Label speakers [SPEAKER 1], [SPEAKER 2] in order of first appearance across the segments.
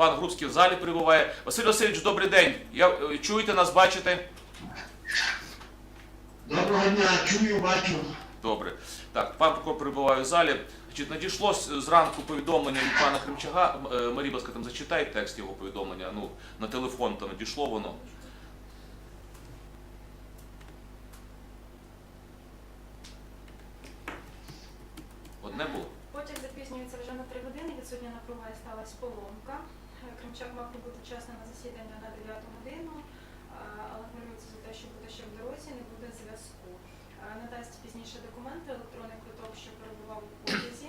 [SPEAKER 1] пан Грубський в залі перебуває. Василь Васильович, добрий день. Чуєте нас, бачите?
[SPEAKER 2] Доброго дня, чую, бачу.
[SPEAKER 1] Добре. Так, пан прокурор перебуває в залі. Значить, надійшло зранку повідомлення від пана Хремчага. Марія, будь ласка, там зачитай текст його повідомлення. Ну, на телефон там надійшло воно. Одне було?
[SPEAKER 3] Потяг запізнюється вже на 3 години, відсутня напруга і сталася поломка. Кремчак мав прибути вчасно на засідання на 9 годину, але хвилюється за те, що буде ще в дорозі, не буде зв'язку. Надасть пізніше документи, електронний квиток, що перебував у потязі.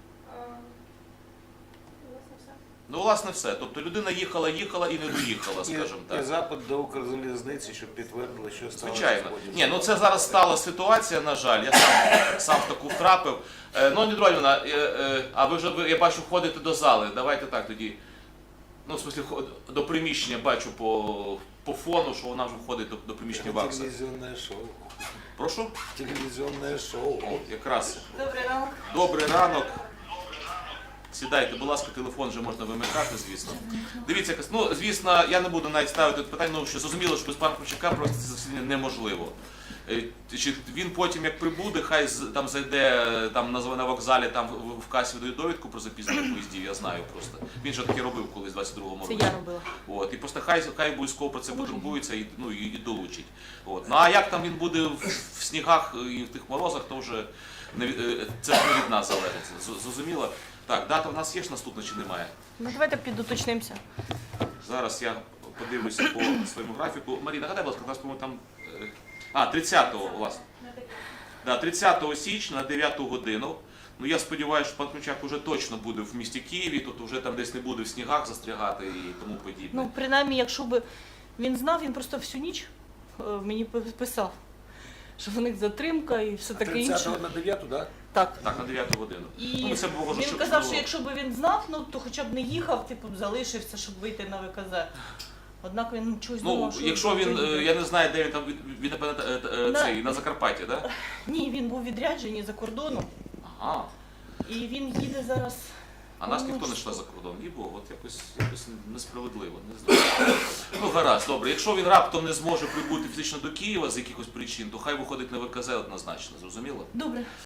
[SPEAKER 3] Власне, все.
[SPEAKER 1] Ну, власне, все. Тобто людина їхала і не доїхала, скажімо так.
[SPEAKER 4] І запит до Укрзалізниці, щоб підтвердили, що сталося.
[SPEAKER 1] Звичайно. Ні, ну це зараз стала ситуація, на жаль, я сам в таку втрапив. Ну, Нідрольовна, а ви вже, я бачу, ходите до зали. Давайте так тоді. Ну, в смислі, до приміщення бачу по фону, що вона вже входить до приміщення ВАКСа.
[SPEAKER 4] Телевізійне шоу.
[SPEAKER 1] Прошу?
[SPEAKER 4] Телевізійне шоу.
[SPEAKER 1] О, якраз.
[SPEAKER 3] Добрий ранок.
[SPEAKER 1] Добрий ранок. Сідайте, будь ласка, телефон вже можна вимикати, звісно. Дивіться, ну, звісно, я не буду навіть ставити питання, ну, що зрозуміло, що без пана Хремчака просто це засідання неможливо. Він потім, як прибуде, хай там зайде там, на вокзалі, там в касі видає довідку про запізнення поїздів, я знаю просто. Він же таке робив колись в 22-му році.
[SPEAKER 5] Це я робила.
[SPEAKER 1] От, і просто хай обов'язково про це потурбується і, ну, і долучить. От. Ну а як там він буде в снігах і в тих морозах, то вже це не від нас залежить. Зрозуміло? Так, дата в нас є ж наступна чи немає?
[SPEAKER 5] Ну давайте підуточнимося.
[SPEAKER 1] Зараз я подивлюся по своєму графіку. Марія, нагадай, будь ласка, у нас, по-моєму, там... 30-го, власне. Да, 30 січня на 9 годину. Ну, я сподіваюся, що пан Хремчак вже точно буде в місті Києві, тобто вже там десь не буде в снігах застрягати і тому подібне.
[SPEAKER 5] Ну, принаймні, якщо б він знав, він просто всю ніч мені писав, що в них затримка і все таке інше.
[SPEAKER 4] 30-го на 9-ту, так?
[SPEAKER 5] Так.
[SPEAKER 1] Так, на 9 годину.
[SPEAKER 5] І
[SPEAKER 1] Ну, це було,
[SPEAKER 5] він казав, що якщо б він знав, ну то хоча б не їхав, типу, залишився, щоб вийти на ВКЗ. Однак він чогось
[SPEAKER 1] Ну,
[SPEAKER 5] думав, що...
[SPEAKER 1] якщо він, я не знаю, де він там, він, напевно, цей, на Закарпатті, так? Да?
[SPEAKER 5] Ні, він був відряджений за кордоном,
[SPEAKER 1] Ага.
[SPEAKER 5] і він їде зараз...
[SPEAKER 1] А нас ніхто не йшла за кордон. І було, от якось несправедливо, не знаю. Ну, гаразд, добре. Якщо він раптом не зможе прибути фізично до Києва з якихось причин, то хай виходить на ВКЗ однозначно, зрозуміло?
[SPEAKER 5] Добре.